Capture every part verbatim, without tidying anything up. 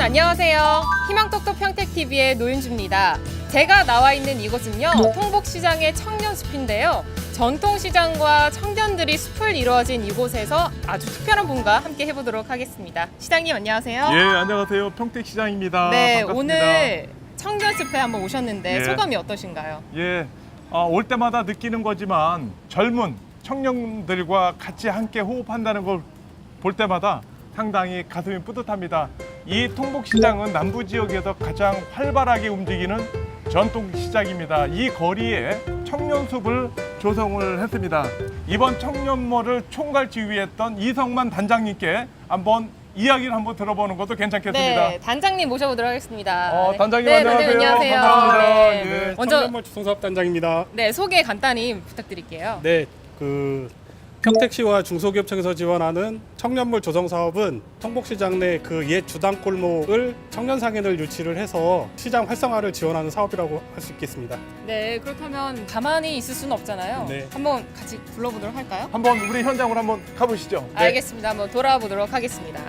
안녕하세요. 희망톡톡 평택티비의 노윤주입니다. 제가 나와 있는 이곳은요, 통복시장의 청년숲인데요. 전통시장과 청년들이 숲을 이루어진 이곳에서 아주 특별한 분과 함께 해보도록 하겠습니다. 시장님 안녕하세요. 예, 안녕하세요. 평택시장입니다. 네, 반갑습니다. 오늘 청년숲에 한번 오셨는데 예. 소감이 어떠신가요? 예, 아, 올 때마다 느끼는 거지만 젊은 청년들과 같이 함께 호흡한다는 걸 볼 때마다 상당히 가슴이 뿌듯합니다. 이 통복시장은 남부 지역에서 가장 활발하게 움직이는 전통시장입니다. 이 거리에 청년숲을 조성을 했습니다. 이번 청년몰을 총괄 지휘했던 이성만 단장님께 한번 이야기를 한번 들어보는 것도 괜찮겠습니다. 네, 단장님 모셔보도록 하겠습니다. 어, 단장님 네, 안녕하세요. 단장님 안녕하세요. 반갑습니다. 네. 예. 먼저 청년몰 주성사업단장입니다. 네, 소개 간단히 부탁드릴게요. 네, 그 평택시와 중소기업청에서 지원하는 청년몰 조성 사업은 통복시장 내 그 옛 주당 골목을 청년 상인을 유치를 해서 시장 활성화를 지원하는 사업이라고 할 수 있겠습니다. 네, 그렇다면 가만히 있을 수는 없잖아요. 네. 한번 같이 불러보도록 할까요? 한번 우리 현장으로 한번 가보시죠. 네. 알겠습니다. 한번 돌아와 보도록 하겠습니다.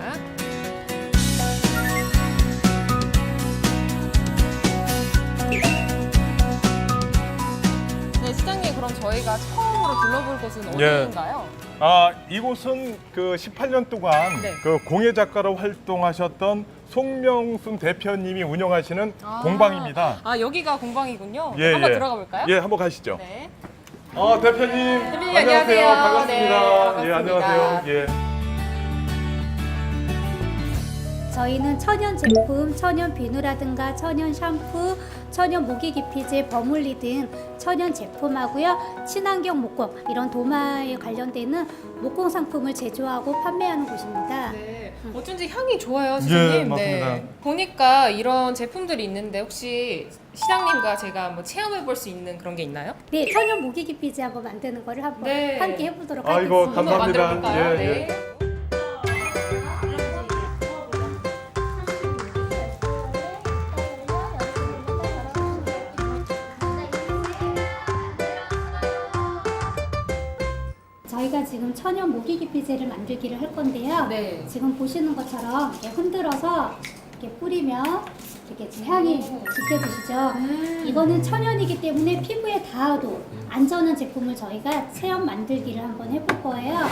네, 시장님 그럼 저희가 처음으로 둘러볼 곳은 예. 어디인가요? 아, 이곳은 그 십팔 년 동안 네. 그 공예 작가로 활동하셨던 송명순 대표님이 운영하시는 아. 공방입니다. 아, 여기가 공방이군요. 예, 한번 예. 들어가 볼까요? 예, 한번 가시죠. 네. 아, 대표님. 대표님, 안녕하세요. 반갑습니다. 네, 예, 반갑습니다. 안녕하세요. 예. 저희는 천연 제품, 천연 비누라든가 천연 샴푸, 천연 모기 기피제, 버물리 등 천연 제품하고요. 친환경 목공, 이런 도마에 관련되는 목공 상품을 제조하고 판매하는 곳입니다. 네, 어쩐지 향이 좋아요, 시장님. 예, 맞습니다. 네. 보니까 이런 제품들이 있는데 혹시 시장님과 제가 한번 체험해 볼 수 있는 그런 게 있나요? 네, 천연 모기 기피제 한번 만드는 거를 한번 네. 함께 해보도록 아이고, 하겠습니다. 한번 감사합니다. 만들어 볼까요? 예, 네. 저희가 지금 천연 모기 기피제를 만들기를 할 건데요. 네. 지금 보시는 것처럼 이렇게 흔들어서 이렇게 뿌리면 이렇게 지금 향이 느껴지시죠? 이거는 천연이기 때문에 피부에 닿아도 안전한 제품을 저희가 체험 만들기를 한번 해볼 거예요.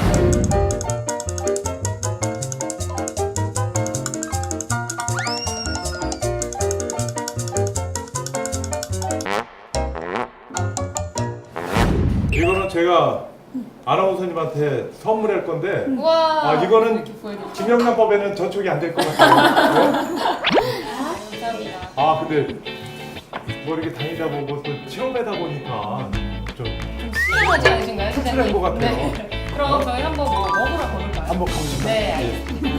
이거는 제가 아나운서님한테 선물할 건데 우와. 아, 이거는 이렇게 보여드릴게요. 김영란법에는 저촉이 안 될 것 같아요. 네? 감사합니다. 아, 근데 뭐 이렇게 다니다 보고 또 체험하다 보니까 좀 실하지 않으신가요, 씁쓸한 시장님? 것 같아요. 네. 그럼 저희 한번 뭐 먹으러 가볼까요? 한번 가보시죠. 네, 알겠습니다.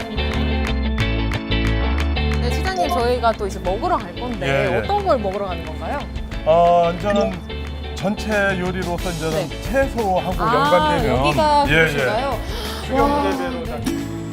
감사합니다. 네, 시장님 저희가 또 이제 먹으러 갈 건데 예, 예. 어떤 걸 먹으러 가는 건가요? 어, 이제는 전체 요리로서 이제는 네. 채소하고 아, 연관되면 여기가 예, 그곳인가요? 예. 수경 와, 재배로 네.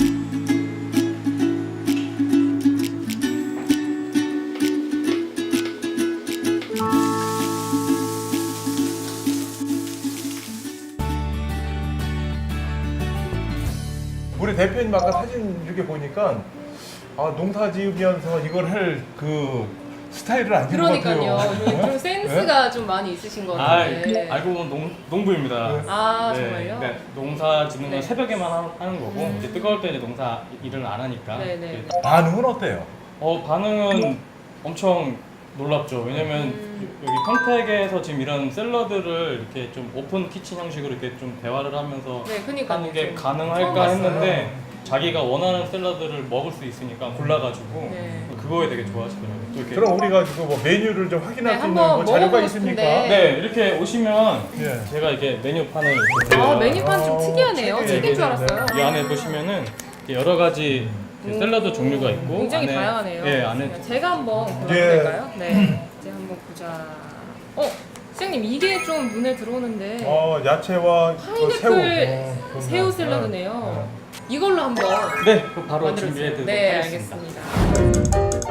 우리 대표님 아까 사진 이렇게 보니까 아, 농사 지으면서 이걸 할 그 스타일을 아닌 것 그러니까요. 같아요. 좀, 좀 센스가 좀 많이 있으신 것 아, 같은데. 알고 보면 농, 농부입니다. 네. 아, 네, 정말요? 네, 농사 짓는 건 네. 새벽에만 하- 하는 거고 음. 이제 뜨거울 때 이제 농사 일을 안 하니까. 네네. 반응은 어때요? 어 반응은 엄청 놀랍죠. 왜냐면 음. 여기 평택에서 지금 이런 샐러드를 이렇게 좀 오픈 키친 형식으로 이렇게 좀 대화를 하면서 네, 그니까요. 하는 게 좀 처음 가능할까 봤어요. 했는데 자기가 원하는 샐러드를 먹을 수 있으니까 골라가지고 네. 그거에 되게 좋아하시더라고요. 또 이렇게 그럼 우리가 지금 뭐 메뉴를 좀 확인할 네, 수 있는 한번 뭐 자료가 먹어보고 있습니까? 싶은데. 네 이렇게 오시면 예. 제가 이렇게 메뉴판을 이렇게 아, 메뉴판 좀 어, 특이하네요. 책이 책인 줄 있네. 알았어요. 이 안에 보시면은 이렇게 여러 가지 그 샐러드 종류가 있고 굉장히 안에- 다양하네요. 예, 안에 제가 한번 골라도 예. 될까요? 네. 이제 한번 보자. 어, 시장님 이게 좀 눈에 들어오는데 어, 야채와 그 파인애플 새우, 어, 그런 새우 거. 샐러드네요. 이걸로 한번 네, 그 바로 만들어 준비해 주세요. 드리도록 네, 하겠습니다. 알겠습니다.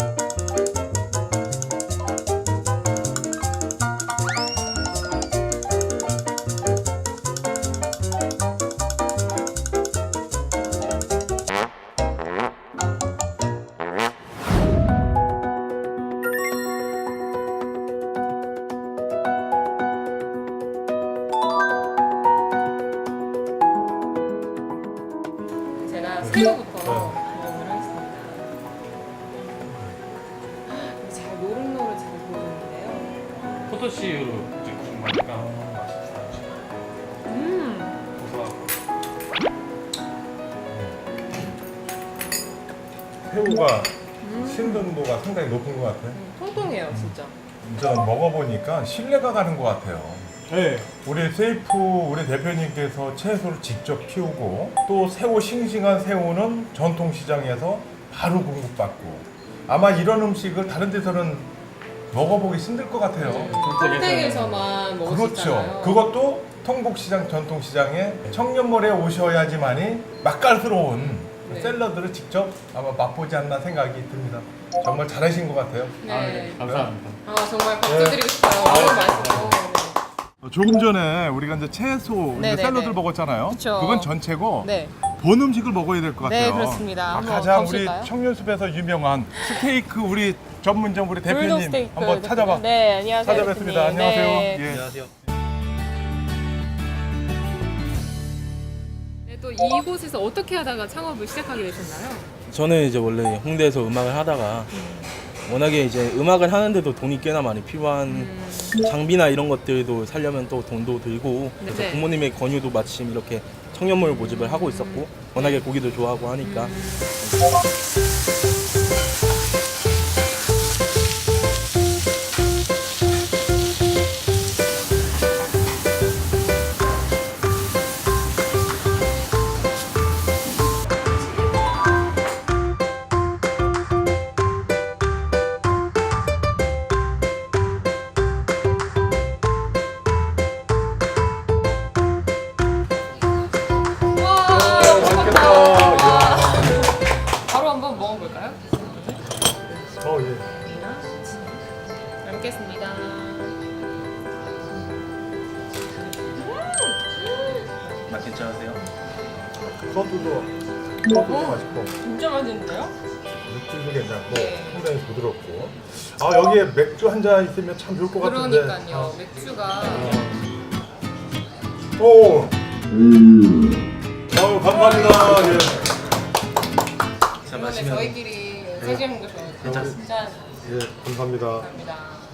포도씨로 이제 구운 거니까 맛있어요. 음. 고소하고. 새우가 신선도가 상당히 높은 것 같아요. 음, 통통해요, 진짜. 저 먹어보니까 신뢰가 가는 것 같아요. 네. 우리 세이프 우리 대표님께서 채소를 직접 키우고 또 새우 싱싱한 새우는 전통시장에서 바로 공급받고 아마 이런 음식을 다른 데서는 먹어보기 힘들 것 같아요. 평택에서만 먹을 수 그렇죠. 있잖아요. 그것도 통복시장 전통시장에 청년몰에 오셔야지만이 맛깔스러운 네. 샐러드를 직접 아마 맛보지 않나 생각이 듭니다. 정말 잘하신 것 같아요. 네. 아, 네. 감사합니다. 아, 정말 박수 드리고 싶어요. 너무 맛있어요. 어, 조금 전에 우리가 이제 채소 네, 이제 네, 샐러드를 네. 먹었잖아요. 그쵸. 그건 전체고 네. 본 음식을 먹어야 될 것 네, 같아요. 그렇습니다. 아, 한번 가장 우리 가보실까요? 청년숲에서 유명한 스테이크 우리 전문점 우리 불독 대표님 스테이크 한번 대표님. 찾아봐. 네, 안녕하세요. 찾아뵙습니다. 대표님. 안녕하세요. 네. 예. 안녕하세요. 네, 또 이곳에서 어떻게 하다가 창업을 시작하게 되셨나요? 저는 이제 원래 홍대에서 음악을 하다가 워낙에 이제 음악을 하는데도 돈이 꽤나 많이 필요한 음. 장비나 이런 것들도 살려면 또 돈도 들고 그래서 네. 부모님의 권유도 마침 이렇게 청년몰 모집을 하고 있었고 워낙에 고기도 좋아하고 하니까 와, 맛있겠다. 바로 한번 먹어볼까요? 어, 예. 잘 먹겠습니다. 맛 괜찮으세요? 소스도 소스도 맛있고 진짜 맛있는데요? 육질도 괜찮고 네. 상당히 부드럽고 아 여기에 맥주 한 잔 있으면 참 좋을 것 같은데. 그러니까요. 맥주가 오. 아유 감사합니다. 예. 자 이번에 마시면 저희끼리 사진 한거 좋아요. 괜찮습니다. 짠. 예 감사합니다. 감사합니다.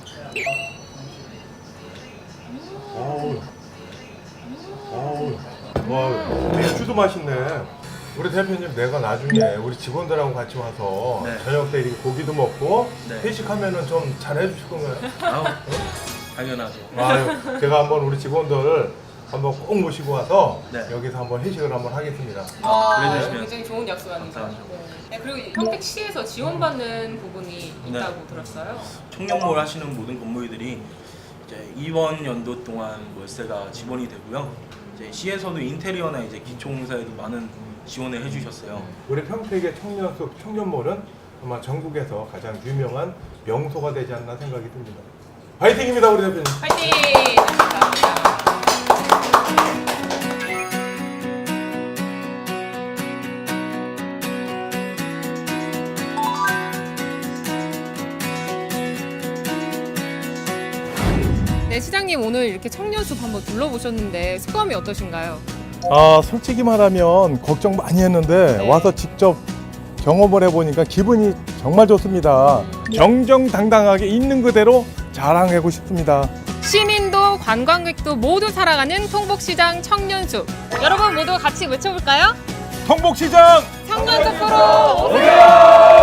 어우. 어우. 와 맥주도 맛있네. 우리 대표님 내가 나중에 우리 직원들하고 같이 와서 네. 저녁 때 이렇게 고기도 먹고 네. 회식하면은 좀 잘 해주실 건가요? 아우 당연하죠. 아유, 제가 한번 우리 직원들 한번 꼭 모시고 와서 네. 여기서 한번 회식을 한번 하겠습니다. 와, 그래주시면 굉장히 좋은 약속 아닙니까? 감사합니다. 네. 네, 그리고 평택시에서 지원받는 부분이 있다고 들었어요. 청년몰 하시는 모든 건물들이 이제 이번 연도 동안 월세가 지원이 되고요. 이제 시에서도 인테리어나 이제 기초공사에도 많은 지원을 해주셨어요. 우리 평택의 청년숲 청년몰은 아마 전국에서 가장 유명한 명소가 되지 않나 생각이 듭니다. 파이팅입니다, 우리 대표님. 파이팅! 감사합니다. 네, 시장님 오늘 이렇게 청년숲 한번 둘러보셨는데 소감이 어떠신가요? 아, 솔직히 말하면 걱정 많이 했는데 네. 와서 직접 경험을 해보니까 기분이 정말 좋습니다. 정정당당하게 있는 그대로 자랑하고 싶습니다. 시민도 관광객도 모두 살아가는 통복시장 청년숲. 여러분 모두 같이 외쳐볼까요? 통복시장 청년숲으로 오세요! 오세요!